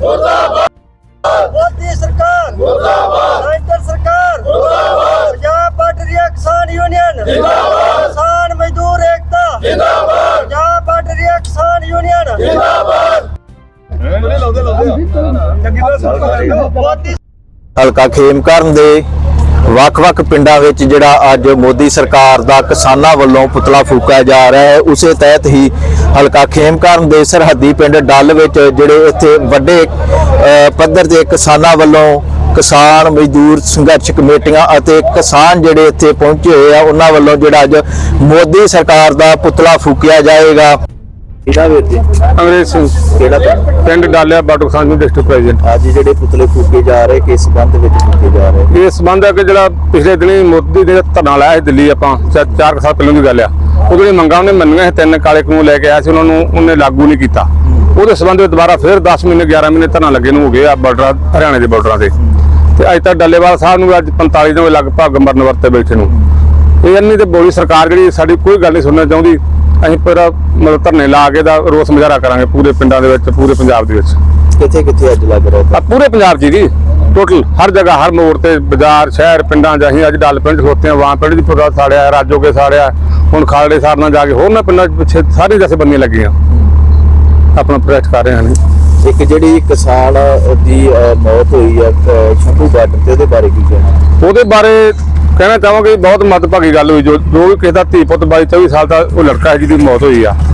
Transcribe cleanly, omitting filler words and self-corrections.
मोदी सरकार मुर्दाबाद, सेंटर सरकार मुर्दाबाद, पंजाब पार्टी किसान यूनियन जिंदाबाद, किसान मजदूर एकता जिंदाबाद, पंजाब पार्टी किसान यूनियन जिंदाबाद। ਹਲਕਾ ਖੇਮਕਰਨ ਦੇ ਵੱਖ-ਵੱਖ ਪਿੰਡਾਂ ਵਿੱਚ ਜਿਹੜਾ ਅੱਜ ਮੋਦੀ ਸਰਕਾਰ ਦਾ ਕਿਸਾਨਾਂ ਵੱਲੋਂ ਪੁਤਲਾ ਫੂਕਿਆ ਜਾ ਰਿਹਾ ਹੈ, ਉਸੇ ਤਹਿਤ ਹੀ ਹਲਕਾ ਖੇਮਕਰਨ ਦੇ ਸਰਹੱਦੀ ਪਿੰਡ ਡੱਲ ਵਿੱਚ ਜਿਹੜੇ ਇੱਥੇ ਵੱਡੇ ਪੱਧਰ ਤੇ ਕਿਸਾਨਾਂ ਵੱਲੋਂ ਕਿਸਾਨ ਮਜ਼ਦੂਰ ਸੰਘਰਸ਼ ਕਮੇਟੀਆਂ ਅਤੇ ਕਿਸਾਨ ਜਿਹੜੇ ਇੱਥੇ ਪਹੁੰਚੇ ਹੋਏ ਆ ਉਹਨਾਂ ਵੱਲੋਂ ਜਿਹੜਾ ਅੱਜ ਮੋਦੀ ਸਰਕਾਰ ਦਾ ਪੁਤਲਾ ਫੂਕਿਆ ਜਾਏਗਾ। ਅੰਗਰੇਜ਼ ਸਿੰਘ ਪਿੰਡ ਡਾਲਿਆ ਬਾਟੂ ਖਾਨ ਡਿਸਟ੍ਰਿਕਟ ਪ੍ਰੈਜ਼ੀਡੈਂਟ। ਅੱਜ ਜਿਹੜੇ ਪੁਤਲੇ ਫੂਕੇ ਜਾ ਰਹੇ ਕਿਸ ਸੰਬੰਧ ਵਿੱਚ ਫੂਕੇ ਜਾ ਰਹੇ? ਇਸ ਸੰਬੰਧ ਹੈ ਕਿ ਜਿਹੜਾ ਪਿਛਲੇ ਦਿਨੀ ਮੋਦੀ ਨੇ ਧਰਨਾ ਲਾਇਆ ਸੀ ਦਿੱਲੀ, ਆਪਾਂ 4 ਸਾਲ ਪਹਿਲਾਂ ਦੀ ਗੱਲ ਆ, ਉਹਦੇ ਮੰਗਾਂ ਉਹਨੇ ਮੰਨੀਆਂ ਸੀ, 3 ਕਾਲੇ ਕਾਨੂੰਨ ਲੈ ਕੇ ਆਇਆ ਸੀ, ਉਹਨਾਂ ਨੂੰ ਉਹਨੇ ਲਾਗੂ ਨਹੀਂ ਕੀਤਾ। ਉਹਦੇ ਸੰਬੰਧ ਵਿੱਚ ਦੁਬਾਰਾ ਫਿਰ 10 ਮਹੀਨੇ 11 ਮਹੀਨੇ ਧਰਨਾ ਲੱਗੇ ਨੂੰ ਹੋ ਗਏ ਆ ਬਾਰਡਰ ਹਰਿਆਣੇ ਦੇ ਬਾਰਡਰਾਂ ਤੇ। ਤੇ ਅੱਜ ਤੱਕ ਡੱਲੇਵਾਲ ਸਾਹਿਬ ਨੂੰ ਅੱਜ 45 ਦਿਨ ਲਗਭਗ ਮਰਨ ਵਰਤੇ ਬੈਠੇ ਨੂੰ। ਇਹ ਇੰਨੀ ਤੇ ਬੋਲੀ ਸਰਕਾਰ ਜਿਹੜੀ ਸਾਡੀ ਕੋਈ ਗੱਲ ਨਹੀਂ ਸੁਣਨਾ ਚਾਹੁੰਦੀ। ਅਸੀਂ ਪੂਰਾ ਮਤਲਬ ਧਰਨੇ ਲਾ ਕੇ ਦਾ ਰੋਸ ਮੁਜ਼ਾਹਰਾ ਕਰਾਂਗੇ ਪੂਰੇ ਪਿੰਡਾਂ ਦੇ ਵਿੱਚ, ਪੂਰੇ ਪੰਜਾਬ ਦੇ ਵਿੱਚ। ਕਿੱਥੇ ਕਿੱਥੇ ਅੱਜ ਲੱਗ ਰਿਹਾ? ਪੂਰੇ ਪੰਜਾਬ ਜੀ ਟੋਟਲ ਹਰ ਜਗ੍ਹਾ, ਹਰ ਮੋੜ ਤੇ, ਬਾਜ਼ਾਰ, ਸ਼ਹਿਰ, ਪਿੰਡਾਂ 'ਚ ਅਸੀਂ ਅੱਜ ਡੱਲ ਪਿੰਡ ਖਲੋਤੇ ਹਾਂ। ਵਾਂ ਪਿੰਡ 'ਚ ਪੂਰਾ ਸਾੜਿਆ, ਰਾਜੋਗੇ ਸਾੜਿਆ, ਹੁਣ ਖਾਲੜੇ ਸਾੜਨਾ ਜਾ ਕੇ ਹੋਰ ਨਾ ਪਿੰਡਾਂ 'ਚ ਪਿੱਛੇ ਸਾਰੀ ਜਥੇਬੰਦੀਆਂ ਲੱਗੀਆਂ ਆਪਣਾ ਪ੍ਰੋਟੈਸਟ ਕਰ ਰਹੇ ਹਨ। ਇੱਕ ਜਿਹੜੀ ਕਿਸਾਨ ਦੀ ਮੌਤ ਹੋਈ ਹੈ ਸ਼ੰਭੂ ਬਾਰਡਰ ਤੇ, ਉਹਦੇ ਬਾਰੇ ਕੀ ਕਹਿਣਾ? ਉਹਦੇ ਬਾਰੇ ਕਹਿਣਾ ਚਾਹਾਂਗੇ ਬਹੁਤ ਮੰਦਭਾਗੀ ਗੱਲ ਹੋਈ। ਜੋ ਵੀ ਕਿਸੇ ਦਾ ਧੀ ਪੁੱਤ 22-24 ਸਾਲ ਦਾ ਉਹ ਲੜਕਾ ਹੈ ਜਿਹਦੀ ਮੌਤ ਹੋਈ ਆ।